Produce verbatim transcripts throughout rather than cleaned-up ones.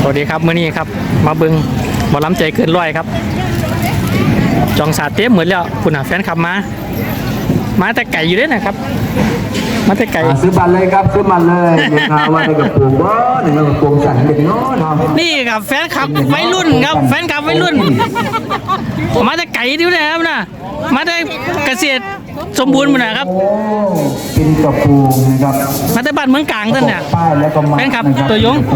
วัสดีครับมื้อนี้ครับมาเบิ้งหมอลำใจเกินร้อยครับจองสาเต็มเหมือนแล้วคุณหาแฟนขับมามาแต่ไก่อยู่ด้วยนะครับมาแต่ไก่ซื้อบัตรเลยครับซื้อบัตรเลยนะครับว่าในกระปุกว่าหนึ่งกระปุกสั่งเด็กน้อยนี่ครับแฟนขับวัยรุ่นครับแฟนขับวัยรุ่นมาแต่ไก่ดิวนะครับนะมาแต่เกษตรสมบูรณ์หมดนะครับเป็นกระปุกนะครับมาแต่บ้านเมืองกลางท่านเนี่ยแฟนขับตัวยง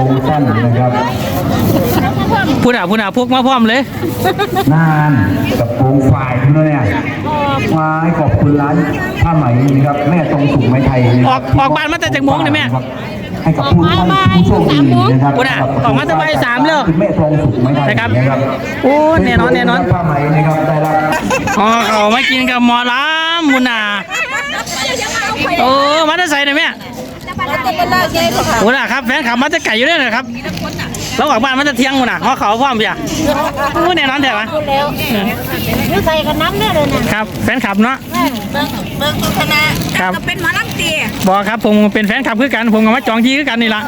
พูดอ่ะพูดอ่ะพวกมาพร้อมเลยนานกระปุกฝ่ายที่นั่นเนี่ยมาขอบคุณร้านผ้าไหมนะครับแม่ตรงสุขไม้ไทยออกออกบ้านมาแต่จากโมงเลยแม่ให้กับผู้ผู้โชคดีนะครับพูดอ่ะออกมาแต่บ่ายสามเลยแม่ตรงสุขไม้ไทยนะครับโอ้แน่นอนแน่นอนผ้าไหมนะครับได้รับอ๋อเขาไม่กินกับหมอลำมุนอ่ะโอ้มาแต่ใส่หน่อยแม่โอ้ล่ะครับแฟนขับมาแต่ไก่อยู่ด้วยนะครับเราออกบ้านมันจะเที่ยงมุนอ่ะเขาเขาพร้อมเปียโอ้แน่นอนเถอะวะนี่ใส่กันน้ำเนี่ยเลยนะครับแฟนขับเนาะเบิ้งเบิ้งโฆษณาครับเป็นหมอลำตีบอกครับผมเป็นแฟนขับคือกันผมกับมาจองที่คือกันนี่ละ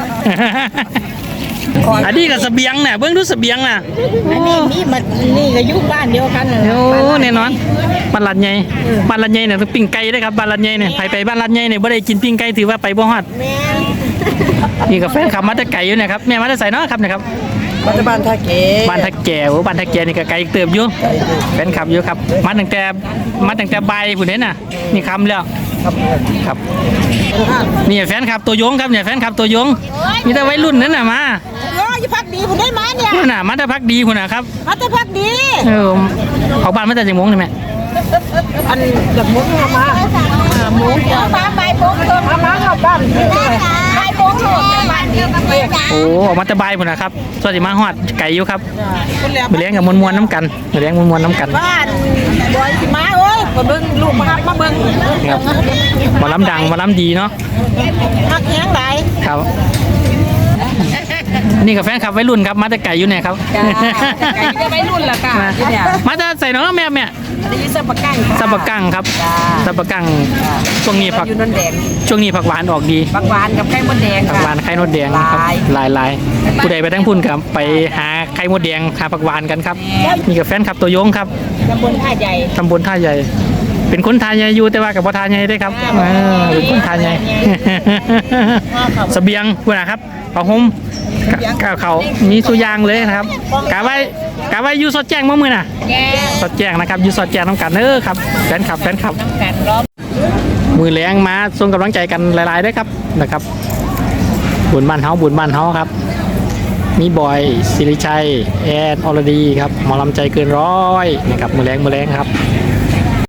อันนี้กับเสบียงเนี่ยเบื้องดูเสบียงน่ะอันนี้นี่มันนี่ก็อยู่บ้านเดียวกันโอ้แน่นอนบ้านลัดใหญ่บ้านลัดใหญ่เนี่ยต้องปิ้งไก่ได้ครับบ้านลัดใหญ่เนี่ยไปไปบ้านลัดใหญ่เนี่ยไม่ได้กินปิ้งไก่ถือว่าไปบ่ฮอดนี่กับแฟนขับมาแต่ไก่อยู่เนี่ยครับแม่มาแต่ใส่เนาะครับเนี่ยครับบ้านท่าแก่บ้านท่าแก่โอ้บ้านท่าแก่นี่ก็ไก่เติบอยู่แฟนขับอยู่ครับมาตั้งแต่มาตั้งแต่ใบผู้นี้น่ะนี่คำแล้วครับนี่แฟนขับตัวยงครับเนี่ยแฟนขับตัวยงมีแต่วัยรุ่นนั่นน่ะมาโอ้ยพักดีคุณได้มาเนี่ยคุณน่ะมาแต่พักดีคุณน่ะครับมาแต่พักดีเออออกบ้านมาแต่จังมงใช่ไหมอันจากมุ้งมามุ้งมาใบโป่งตัวมามาเข้าบ้านใบโป่งหมดบ้านโอ้ออกมาแต่ใบคุณน่ะครับสวัสดีมาฮอดไก่อยู่ครับมาเลี้ยงกับมวลมวลน้ำกันมาเลี้ยงมวลมวลน้ำกันบ้านบอยสิมาเอ้ยมาเบิ้งลูกมาครับมาเบิ้งครับมาล้ำดังมาล้ำดีเนาะพักแห้งไหลครับนี่กับแฟนขับวัยรุ่นครับมาแต่ไก่อยู่เนี่ยครับไก่จะวัยรุ่นละค่ะมาจะใส่น้องแม่แม่สับปะกังสับปะกังครับสับปะกังช่วงนี้ผักช่วงนี้ผักหวานออกดีผักหวานกับไข่มดแดงผักหวานไข่มดแดงครับลายลายผู้ใดไปทั้งพุ่นครับไปหาไข่มดแดงหาผักหวานกันครับนี่กับแฟนขับตัวยงครับตำบลท่าใหญ่ตำบลท่าใหญ่เป็นคนท่าใหญ่อยู่แต่ว่ากับพ่อท่าใหญ่ได้ครับเป็นคนท่าใหญ่เสบียงคุณนะครับเอาห่มกาวเขามีสุยางเลยนะครับกาไว้กาไว้ยูสอดแจ้งมั่มือน่ะสอดแจ้งนะครับยูสอดแจ้งน้ำกันเออครับแฟนคลับแฟนคลับมือแรงมาส่งกำลังใจกันหลายๆด้วยครับนะครับบุญบ้านเฮาบุญบ้านเฮาครับมีบอยศิริชัยแอนอรดีครับหมอลำใจเกินร้อยนะครับมือแรงมือแรงครับ